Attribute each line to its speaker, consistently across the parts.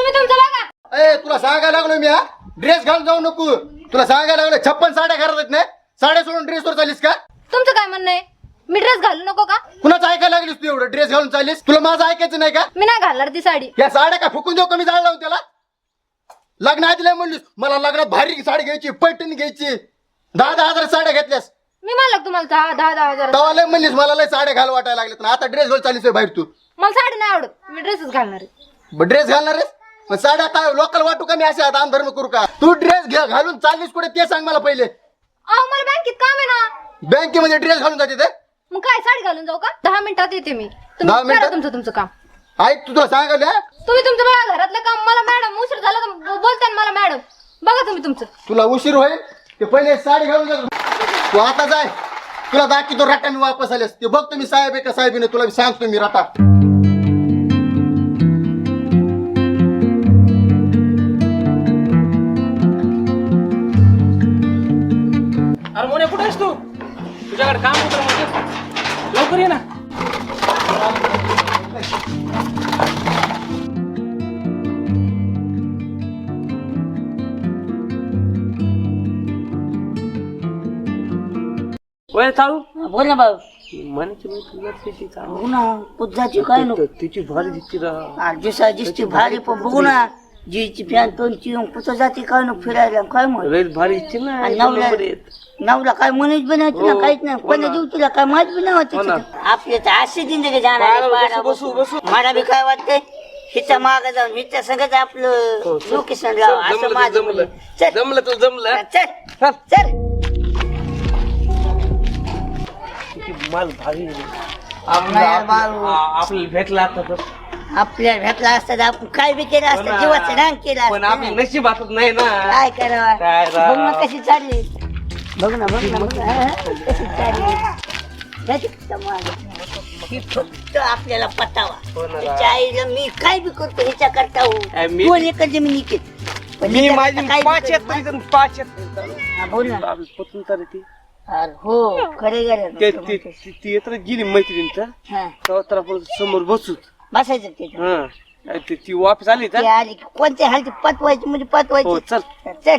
Speaker 1: तुम्ही तुमचं बघा.
Speaker 2: ए तुला सांगायला लागलो मी, ड्रेस घालून जाऊ नको. तुला सांगायला लागलो 56 साड्या घरात आहेत ना, साड्या सोडून ड्रेसवर चालीस का?
Speaker 1: तुमचं काय म्हणणं आहे? मी ड्रेस घालू नको का?
Speaker 2: कुणाचं ऐकायला लागलीस तू? एवढं ड्रेस घालून चालीस, तुला माझं ऐकायचं नाही का?
Speaker 1: मी नाही घालणार ती साडी.
Speaker 2: या साड्या का फुकून देऊ? कमी जाळ लावून त्याला. लग्न आधी म्हणलीस मला लग्नात भारी साडी घ्यायची, पैठणी घ्यायची, 10-10 हजार साड्या घेतल्यास.
Speaker 1: मी म्हणलं तुम्हाला 10-10 हजार.
Speaker 2: तवा लय म्हणलीस मला लय साड्या घाल वाटायला लागल्यात ना, आता ड्रेस घालून चालीस बाहेर तू.
Speaker 1: मला साडी नाही आवडत, मी ड्रेसच घालणार आहे.
Speaker 2: ड्रेस घालणार आहेस? मग साड्या काय लोकल वाटू का मी असे दान धर्म करू का? तू ड्रेस घालून चाललीस कुठे ते सांग मला पहिले.
Speaker 1: अहो मला बँकेत काम आहे ना.
Speaker 2: बँकेमध्ये ड्रेस घालून जाते ते?
Speaker 1: मग काय साडी घालून जाऊ का? 10 मिनिटात येते मी.
Speaker 2: 10
Speaker 1: तुम्ही
Speaker 2: मिनिटात?
Speaker 1: करा तुमचं काम.
Speaker 2: ऐक तुला सांगायला,
Speaker 1: तुम्ही तुमचं बघा घरातलं काम. मला मॅडम उशीर झाला तर बोलताय ना मला मॅडम. बघा तुम्ही तुमचं.
Speaker 2: तुला उशीर होईल ते पहिले साडी घालून जा. तू आता जाय, तुला दाखवतो राटा मी वापस आलेस ते बघ. तुम्ही साहेब आहे का साहेबीने तुला सांगतो मी राटा.
Speaker 3: अरे मोने कुठे आहेस तू? तुझ्याकडे काम होतं म्हणजे लवकर ये ना. वय चालू
Speaker 4: बोल ना भाऊ.
Speaker 3: म्हणायची बाई तुला त्याची चालू
Speaker 4: बघू ना पुजाची काय नको
Speaker 3: तिची भारी दिसते रा.
Speaker 4: दिसा दिसती भारी पण बघू ना जीची फॅन तोंडची पुत जाती काय नको फिरायला काय मग
Speaker 3: लयच भारी दिसते ना.
Speaker 4: आणि
Speaker 3: एकदम
Speaker 4: नवला
Speaker 3: नंबर एक.
Speaker 4: नवला काय म्हणायच बनायचं ना काहीच नाही. कोणा देऊ तुला काय माहित बी नाही
Speaker 3: हो ना.
Speaker 4: होत. आपले तर असे जिंदगी जाणार
Speaker 3: बसू, बसू, बसू.
Speaker 4: मला बी काय वाटतंय हिच्या माग जाऊन हिच्या संगत आपलं लोकेशन लाव असं
Speaker 3: जमलं
Speaker 4: माझं
Speaker 3: जमलं
Speaker 4: म्हणणं. चल
Speaker 3: जमलं तू जमलं.
Speaker 4: चल चल
Speaker 3: किती माल भारी आहे.
Speaker 4: नाही बाबू.
Speaker 3: आपल्याला भेटला आता तर
Speaker 4: आपल्याला भेटला असता तर आपण काय बी केलं
Speaker 3: हो
Speaker 4: असतं
Speaker 3: ना.
Speaker 4: जीवाचं रान केलं
Speaker 3: पण
Speaker 4: असतं
Speaker 3: आपलं नशीब हातात नाही ना.
Speaker 4: काय करावं
Speaker 3: काय राव.
Speaker 4: बघ ना कशी चालली बघ ना बघ ना बघ ना हा, कशी चालली जाती का मागं? ही फक्त आपल्याला पटावा
Speaker 3: हो ना.
Speaker 4: तिच्या आईला मी काय बी करतो ह्याच्या करता
Speaker 3: काय मी-
Speaker 4: 2 एकर जमीन इकेत. पण
Speaker 3: मी
Speaker 4: ह्याच्या
Speaker 3: माझी
Speaker 4: करता काय बी
Speaker 3: 5
Speaker 4: करतो.
Speaker 3: एकर 5 एकर
Speaker 4: हा, बोल ना
Speaker 3: पतून तर ती
Speaker 4: अरे हो खरे गेले
Speaker 3: ती येत गेली मैत्रिणीचं
Speaker 4: हा
Speaker 3: तेव्हा तर आपण समोर बसूच.
Speaker 4: बसायचं त्याच्या
Speaker 3: हा ती वापस आली
Speaker 4: ते
Speaker 3: तर
Speaker 4: आली की कोणत्या हालती पतवायची म्हणजे
Speaker 3: हो
Speaker 4: पतवायची
Speaker 3: चल.
Speaker 4: चल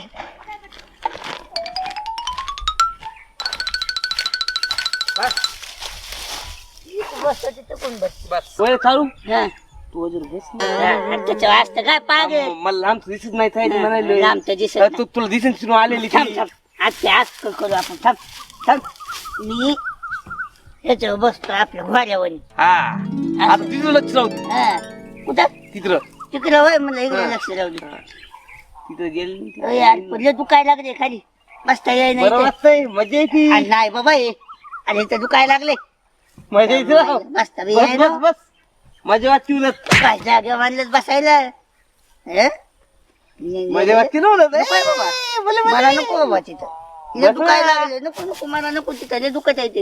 Speaker 4: बसतो तिथं कोण बस
Speaker 3: बस वय चालू
Speaker 4: हा
Speaker 3: तू जर बस
Speaker 4: त्याच्या वाजता काय पागे
Speaker 3: मला लांब दिसत नाही थाय म्हणाले.
Speaker 4: लांब तर दिसत नाही.
Speaker 3: तू तुला दिसेल तिथून आलेली
Speaker 4: थांब
Speaker 3: ती.
Speaker 4: थांब आज ते आज करू आपण थांब थांब मी याच्यावर बसतो आपल्या घोड्यावर
Speaker 3: हा आता तिथं लक्ष राहू दे.
Speaker 4: हा कुठं
Speaker 3: तिथं
Speaker 4: तिकडं होय मला इकडे लक्ष राहू दे
Speaker 3: तिथं गेली
Speaker 4: होय यार पडले दुखाय लागले खाली बसता येई नाही
Speaker 3: बरं
Speaker 4: इथे.
Speaker 3: वाटतंय मजा येते.
Speaker 4: आणि नाही बाबा हे आणि इथं दुखाय लागले
Speaker 3: मजा येते राव.
Speaker 4: बसता बी
Speaker 3: बस
Speaker 4: येई
Speaker 3: बस
Speaker 4: ना.
Speaker 3: बस मजा वाटते उलट.
Speaker 4: काय जागा बांधलेत बसायला हे?
Speaker 3: मजा वाटते ना उलट.
Speaker 4: नको आहे बाबा. मला नको बाबा तिथं तिला दुखाय लागले नको नको मला नको तिथं लय दुखत आहे ते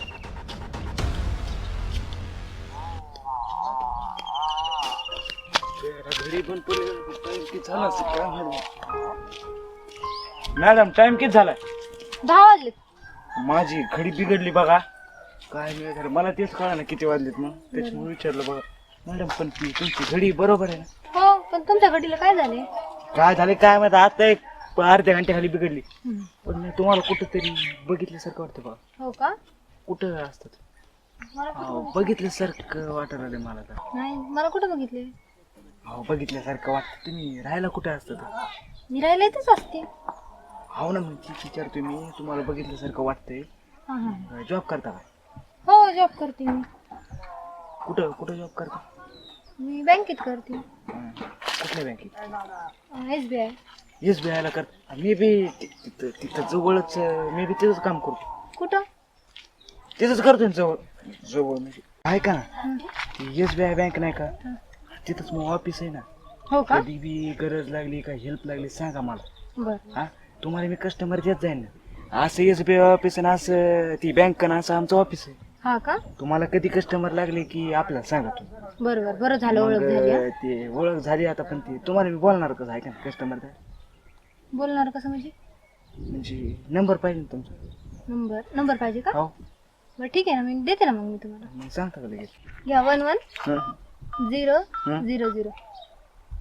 Speaker 5: मॅडम टाइम किती झालाय?
Speaker 1: 10 वाजले.
Speaker 5: माझी घडी बिघडली बघा. काय नाही झालं मला तेच कळा ना किती वाजलेत मग त्याच्यामुळे विचारलं बघा. मॅडम पण ती तुमची घडी बरोबर आहे ना?
Speaker 1: हो पण तुमच्या घडीला काय झाले?
Speaker 5: काय झाले काय माहिती आता एक अर्ध्या घंट्याखाली बिघडली. पण मी तुम्हाला कुठंतरी बघितल्यासारखं वाटतं बघा.
Speaker 1: हो का?
Speaker 5: कुठं असतात?
Speaker 1: मला
Speaker 5: हो बघितल्यासारखं वाटत आलं मला तर.
Speaker 1: नाही मला कुठं बघितले?
Speaker 5: हो बघितल्यासारखं वाटतं. तुम्ही राहायला कुठे असतात?
Speaker 1: मी राहिला इथेच असते.
Speaker 5: हो ना मग तीच विचारतोय मी. तुम्हाला बघितल्यासारखं वाटतंय.
Speaker 1: हा हा.
Speaker 5: जॉब करता काय?
Speaker 1: हो जॉब करते मी.
Speaker 5: कुठं कुठं जॉब करता?
Speaker 1: मी बँकेत करते.
Speaker 5: कुठल्या बँकेत?
Speaker 1: SBI.
Speaker 5: SBI ला कर. मी बी तिथं तिथं जवळच मी बी तिथंच काम करतो.
Speaker 1: कुठं?
Speaker 5: तिथंच करतो ना जवळ जवळ म्हणजे आहे का SBI बँक नाही का तिथंच मग ऑफिस आहे ना.
Speaker 1: हो का?
Speaker 5: कधी बी गरज लागली काय हेल्प लागली सांगा मला.
Speaker 1: बर.
Speaker 5: हा तुम्हाला मी कस्टमर देत जाईन ना. असं SBI ऑफिस आहे ना असं ती बँक ना असं आमचं ऑफिस आहे.
Speaker 1: हा का?
Speaker 5: तुम्हाला कधी कस्टमर लागले की आपल्याला सांगा तुम्ही.
Speaker 1: बरोबर बरं झालं ओळख
Speaker 5: मग
Speaker 1: झाली. हा.
Speaker 5: ते ओळख झाली आता पण ती तुम्हाला मी बोलणार कसं आहे का कस्टमर
Speaker 1: बोलणार कसं म्हणजे?
Speaker 5: म्हणजे नंबर पाहिजे ना तुमचा.
Speaker 1: नंबर पाहिजे का?
Speaker 5: हो
Speaker 1: बरं ठीक आहे ना मी देते ना मग मी तुम्हाला.
Speaker 5: मग सांगता का लगेच?
Speaker 1: घ्या 11
Speaker 5: हं.
Speaker 1: 0 0 0.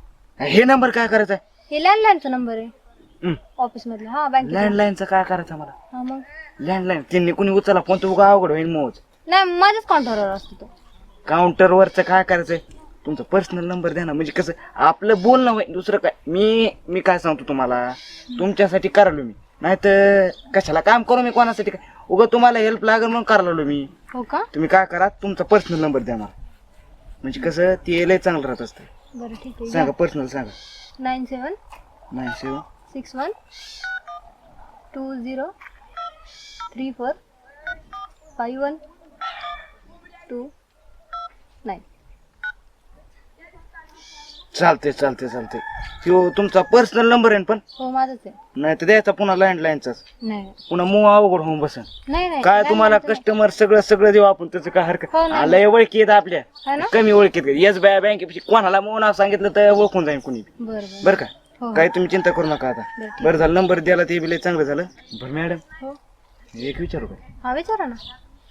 Speaker 5: हे नंबर काय करायचा
Speaker 1: हे लँडलाईनचा नंबर आहे
Speaker 5: हं.
Speaker 1: ऑफिस मधला. हा बँकेत.
Speaker 5: लँडलाईनचा काय करायचा मला
Speaker 1: हा मग
Speaker 5: लँडलाईन त्यांनी कुणी उचलला फोन तो उगा अवघड होईल मोज
Speaker 1: नाही माझ्याच काउंटरवर असतो तो.
Speaker 5: काउंटरवरचं काय करायचंय तुमचा पर्सनल नंबर द्या ना म्हणजे कसं आपलं बोलणं होईल दुसरं काय मी काय सांगतो तुम्हाला तुमच्यासाठी करालो मी नाही तर कशाला काम करू मी कोणासाठी काय उगा तुम्हाला हेल्प लागेल म्हणून करायला मी
Speaker 1: हो का
Speaker 5: तुम्ही काय करा तुमचा पर्सनल नंबर द्या मला म्हणजे कसं ते लय चांगलं राहत असतं
Speaker 1: बरं ठीक आहे.
Speaker 5: सांगा पर्सनल सांगा
Speaker 1: 9761 20345129.
Speaker 5: चालते तो तुमचा पर्सनल नंबर आहे ना पण
Speaker 1: हो माझंच आहे.
Speaker 5: नाही तर द्यायचा पुन्हा लँडलाईनचाच
Speaker 1: नाही
Speaker 5: पुन्हा मग अवघड होऊन बसन
Speaker 1: नाही
Speaker 5: काय तुम्हाला
Speaker 1: landline चं
Speaker 5: कस्टमर सगळं देऊ आपण त्याचं काय हरकत
Speaker 1: हो ना.
Speaker 5: आलंय ओळखी येत आपल्या
Speaker 1: है ना?
Speaker 5: कमी ओळखीत येस बाय बँकेपेक्षा कोणाला मग नाव सांगितलं तर ओळखून जाईल कुणी
Speaker 1: नाही. बरं बरं
Speaker 5: बरं का
Speaker 1: हो.
Speaker 5: काय तुम्ही चिंता करू नका आता
Speaker 1: बरं, ठीक.
Speaker 5: बरं झालं नंबर द्यायला ते बी लय चांगलं झालं बरं मॅडम
Speaker 1: हो
Speaker 5: एक विचारू का
Speaker 1: हा विचारा ना.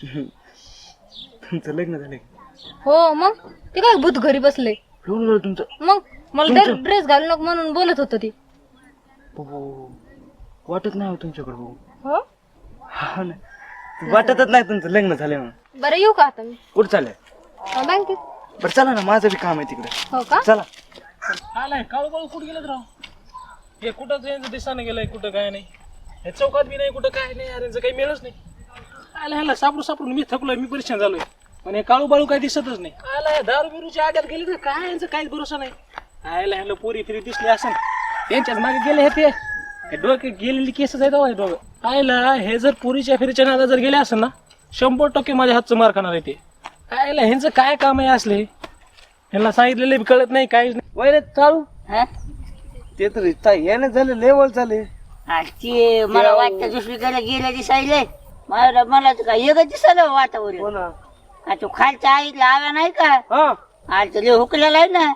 Speaker 5: तुमचं लग्न झालंय
Speaker 1: हो मग ते काय भूत घरी बसले
Speaker 5: लग्न झालं तुमचं
Speaker 1: मग मला ड्रेस घालू नको म्हणून बोलत होतं ती.
Speaker 5: हो. वाटत नाही हो तुमच्याकडे हो
Speaker 1: हो
Speaker 5: हा ना. वाटतच नाही तुमचं लग्न झालंय म्हणून
Speaker 1: बरं येऊ का आता मी
Speaker 5: कुठं चाललंय
Speaker 1: बँकेत.
Speaker 5: बरं चला ना माझं बी काम आहे तिकडे
Speaker 1: हो का
Speaker 5: चला
Speaker 3: आलाय काळू कुठं गेलं राव हे कुठं यांचं दिसानं गेलंय कुठं काय नाही हे चौकात बी नाही कुठं काय नाही अरे यांचं काही मिळच नाही. आला ह्याला सापडून मी थकलोय मी परेशान झालोय पण हे काळू बाळू काही दिसतच नाही. आला दारू बिरूच्या आड्यात गेले तर काय यांचं काहीच भरोसा नाही. आयला ह्याला पोरी फिरी दिसली असं त्यांच्याच मागे गेले हे डोके गेलेली केसच आहेत हे डोकं. आयला हे जर पोरीच्या फिरीच्या नादा जर गेले असेल ना 100% माझ्या हातचं मार खाणार आहे ते. आयला ह्यांचं काय काम आहे असले ह्यांना सांगितलेले बी कळत नाही काहीच नाही. वैरे चालू
Speaker 4: हा?
Speaker 3: ते तर याने झालं लेवल चाले
Speaker 4: ते मला वाटतं दुसरीकडे गेल्या दिसायले मला तर काय एकच दिसायला वातावरण का तो खालच्या आईला आव्या नाही का आज लय हुकलेला आहे ना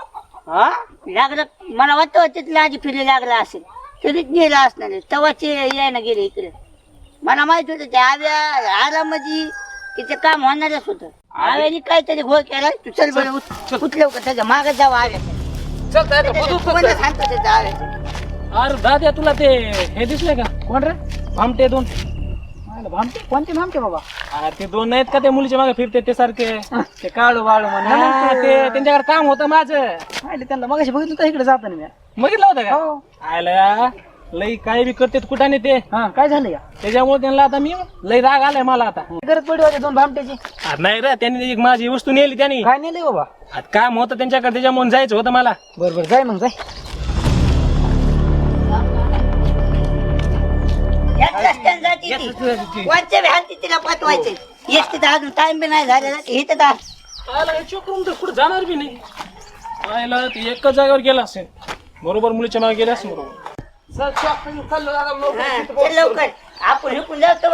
Speaker 4: लागलं मला वाटतं तिथला आधी फिरी लागला असेल तरीच गेला असणार तवाचे यायला गेले इकडे मला माहित होतं ते आव्या आरामध्ये तिचं काम होणारच होतं आव्याने काहीतरी घोळ केला तू चल बरं उठलं का त्याच्या मागे जावं आव्या सांगतो त्याच्या आव्याचं
Speaker 3: अरे दाद्या तुला ते हे दिसले का कोण रे भामटे दोन भामटे कोणते भामटे बाबा अरे ते दोन नाहीत का त्या मुलीच्या मागे फिरते ते सारखे ते काळू वाळू म्हणून ते त्यांच्याकडे काम होतं माझं त्यांना मग बघितलं होतं इकडे जाताना मी बघितलं होतं का आयला लई काय बी करते कुठं नाही ते काय झालं या त्याच्यामुळे त्यांना आता मी लई राग आलाय मला आता गरज पडली होती दोन भामट्याची नाही रे त्यांनी एक माझी वस्तू नेली त्यांनी काय नेली बाबा आता काम होतं त्यांच्याकडे त्याच्यामुळे जायचं होतं मला बरोबर जाय मग जाय
Speaker 4: तिला पाठवायचे येस तिथं अजून टाइम बी नाही झालेला इथं
Speaker 3: आयला चोकरून तर कुठं जाणार बी नाही आयला ते एकच जागेवर गेला असेल बरोबर मुलीच्या मागे गेले असेल बरोबर
Speaker 4: लवकर आपण हिकून जातो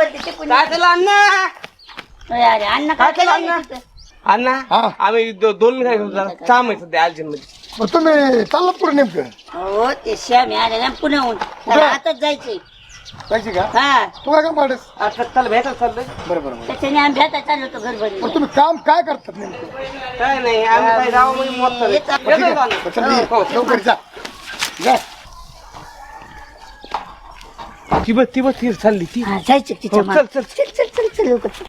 Speaker 4: अरे अण्णा काय केलं
Speaker 6: अण्णा आम्ही दोन काम आहे सध्या अर्जंट मध्ये
Speaker 2: मग तुम्ही चाललं पुढे नेमकं
Speaker 4: हो ते श्यामी आले ना पुण्याहून त्याला आताच जायचंय
Speaker 2: जायची का
Speaker 4: हा
Speaker 2: तू काय काम पाडस
Speaker 6: चल भेटायला चाललंय
Speaker 2: बरोबर
Speaker 4: त्याच्याने आम्ही भेटायला चाललो होतो घरभरी
Speaker 2: मग तुम्ही काम काय करतात नेमकं
Speaker 6: काय नाही आम्ही काही गावामध्ये मत चालू.
Speaker 4: येतात.
Speaker 2: ठीक आहे. चल ये, लवकर जा जा.
Speaker 6: ती बघ चालली ती
Speaker 4: हा, जायचं तिच्या
Speaker 6: हो,
Speaker 4: मागं.
Speaker 6: चल,
Speaker 4: चल लवकर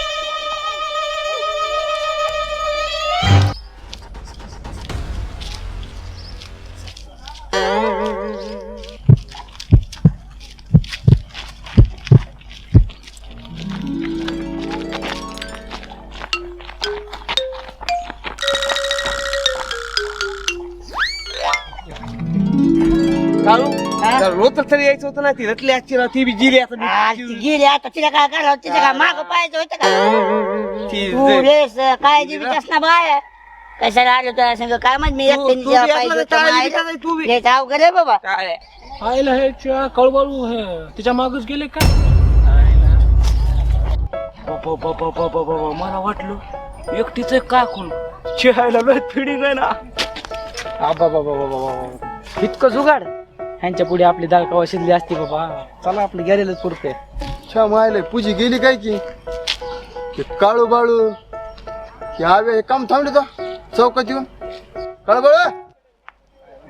Speaker 6: काळू रोज तरी यायचं होतं ना ती रटली आजची ती बी जिली आता
Speaker 4: हा, ती गेली आता तिला काय करावं तिच्या काय माग पाहायचं होतं का
Speaker 6: ती
Speaker 4: तू रेस काय जीवित ना बाय कशाला आलो तुला सांग काय माहित मी एकट्याने
Speaker 6: तू
Speaker 4: जेव्हा
Speaker 6: बी
Speaker 4: पाहिजे
Speaker 6: आपल्याला
Speaker 4: होतं
Speaker 6: टाळायला
Speaker 4: मायला.
Speaker 6: बिटायला तू बी.
Speaker 4: हे तर अवघड आहे बाबा
Speaker 6: काय
Speaker 3: आयला हे कळबाळू हे तिच्या मागच गेले का
Speaker 5: मला वाटलं एकटीच का कोण चिहायला लय फिडिंग आहे ना
Speaker 3: इतकं जुगाड ह्यांच्या पुढे आपली दाल कवा शिजली असती बाबा चला आपलं गेलेलंच पुरते
Speaker 2: छा मायला पूजी गेली काय की काळू बाळू हे हवे हे काम थांबले तर चौकात येऊन काळू बाळू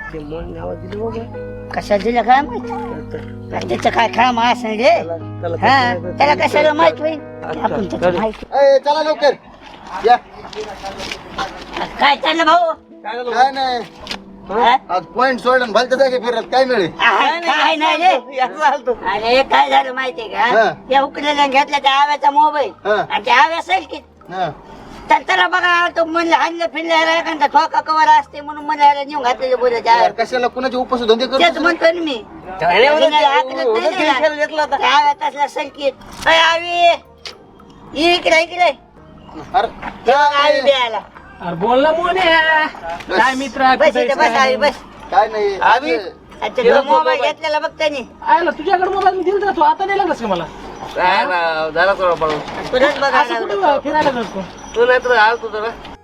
Speaker 6: ते मन आवाज दिलं बाबा.
Speaker 4: कशा दिलं काय माहित त्याचं काय काम असं रे हा त्याला कशाला माहित होईल आपण त्याचं माहित
Speaker 2: ए, चला लवकर या.
Speaker 4: काय चाललं भाऊ
Speaker 2: काय नाही
Speaker 4: हा?
Speaker 2: आज पॉइंट सोडून भलत्या जागे फिरत काय मिळेल
Speaker 4: काय नाही रे अरे काय झालं माहितीये
Speaker 2: हा.
Speaker 4: का या उकलेल्या घेतल्या त्या आव्याचा मोबाईल
Speaker 2: हा.
Speaker 4: आणि त्या आव्या की
Speaker 2: हा.
Speaker 4: तर त्याला बघा तो म्हणलं हाणलं फिरलं एखादा ठोका कवर असते म्हणून मला नेऊन घातलेले बोलायचे
Speaker 2: यार, कशाला कुणाचे उपवास धंदे
Speaker 4: तेच
Speaker 2: करतो
Speaker 4: म्हणतोय ना मी इकडे इकडे
Speaker 2: अरे
Speaker 4: आवी द्यायला
Speaker 3: अरे बोल ना मोन्या काय मित्र
Speaker 4: बस इथे बस आवी बस
Speaker 2: काय नाही
Speaker 4: अच्छा मोबाईल घेतलेला बघ त्यांनी
Speaker 3: आयला तुझ्याकडे मोबाईल मी दिलता तू आता नाही लागलास का मला
Speaker 6: काय राव, जरा थोडा पाहू.
Speaker 4: तुलाच बघा
Speaker 3: असं कुठं फिरायला जातो
Speaker 6: तू नाही तर आलतो जरा